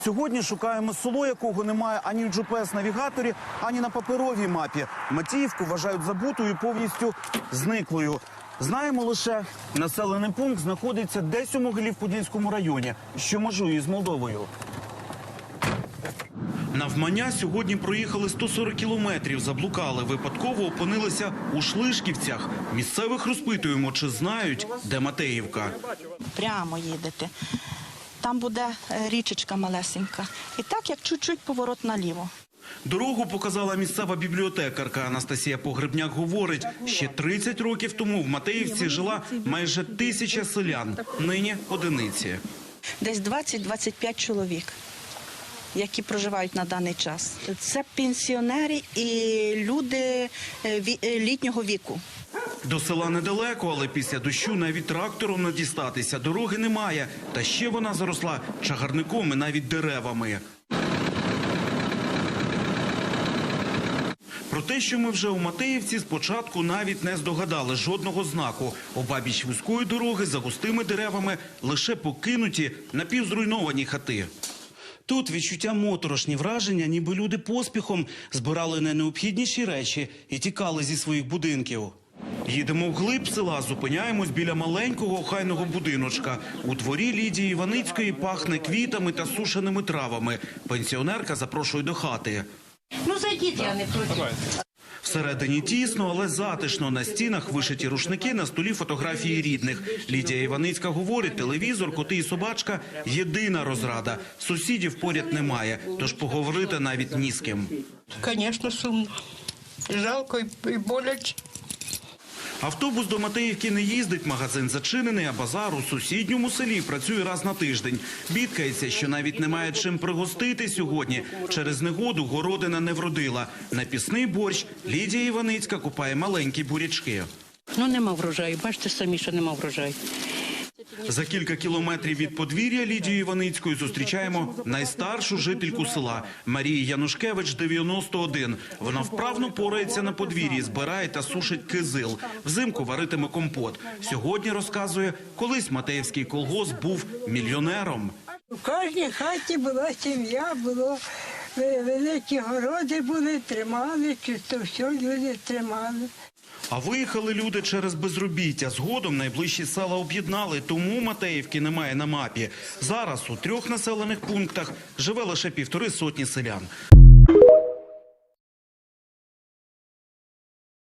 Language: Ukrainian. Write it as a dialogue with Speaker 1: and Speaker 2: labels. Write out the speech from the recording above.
Speaker 1: Сьогодні шукаємо село, якого немає ані в GPS-навігаторі, ані на паперовій мапі. Матіївку вважають забутою, повністю зниклою. Знаємо лише, населений пункт знаходиться десь у Могилів-Подільському районі, що межує з Молдовою. Навмання сьогодні проїхали 140 кілометрів, заблукали, випадково опинилися у Шлишківцях. Місцевих розпитуємо, чи знають, де Матеївка.
Speaker 2: Прямо їдете. Там буде річечка малесенька. І так, як чуть-чуть поворот наліво.
Speaker 1: Дорогу показала місцева бібліотекарка. Анастасія Погребняк говорить, ще 30 років тому в Матеївці жила майже 1000 селян, нині одиниці.
Speaker 2: Десь 20-25 чоловік, які проживають на даний час. Це пенсіонери і люди літнього віку.
Speaker 1: До села недалеко, але після дощу навіть трактором не дістатися. Дороги немає. Та ще вона заросла чагарником і навіть деревами. Про те, що ми вже у Матеївці, спочатку навіть не здогадали жодного знаку. Обабіч вузької дороги за густими деревами лише покинуті напівзруйновані хати. Тут відчуття моторошні, враження, ніби люди поспіхом збирали найнеобхідніші речі і тікали зі своїх будинків. Їдемо вглиб села, зупиняємось біля маленького охайного будиночка. У дворі Лідії Іваницької пахне квітами та сушеними травами. Пенсіонерка запрошує до хати.
Speaker 3: Ну, зайдіть, я не проти.
Speaker 1: Всередині тісно, але затишно. На стінах вишиті рушники, на столі фотографії рідних. Лідія Іваницька говорить, телевізор, коти і собачка – єдина розрада. Сусідів поряд немає, тож поговорити навіть ні з ким.
Speaker 3: Звісно, сумно. Жалко і боляче.
Speaker 1: Автобус до Матеївки не їздить, магазин зачинений, а базар у сусідньому селі працює раз на тиждень. Бідкається, що навіть немає чим пригостити сьогодні. Через негоду городина не вродила. На пісний борщ Лідія Іваницька купає маленькі бурячки.
Speaker 3: Ну, нема врожаю. Бачите самі, що нема врожаю.
Speaker 1: За кілька кілометрів від подвір'я Лідії Іваницької зустрічаємо найстаршу жительку села Марії Янушкевич, 91. Вона вправно порається на подвір'ї, збирає та сушить кизил. Взимку варитиме компот. Сьогодні, розказує, колись Матеївський колгосп був мільйонером.
Speaker 4: У кожній хаті була сім'я, було великі городи були, тримали, чисто все люди тримали.
Speaker 1: А виїхали люди через безробіття. Згодом найближчі села об'єднали, тому Матеївки немає на мапі. Зараз у 3 населених пунктах живе лише 150 селян.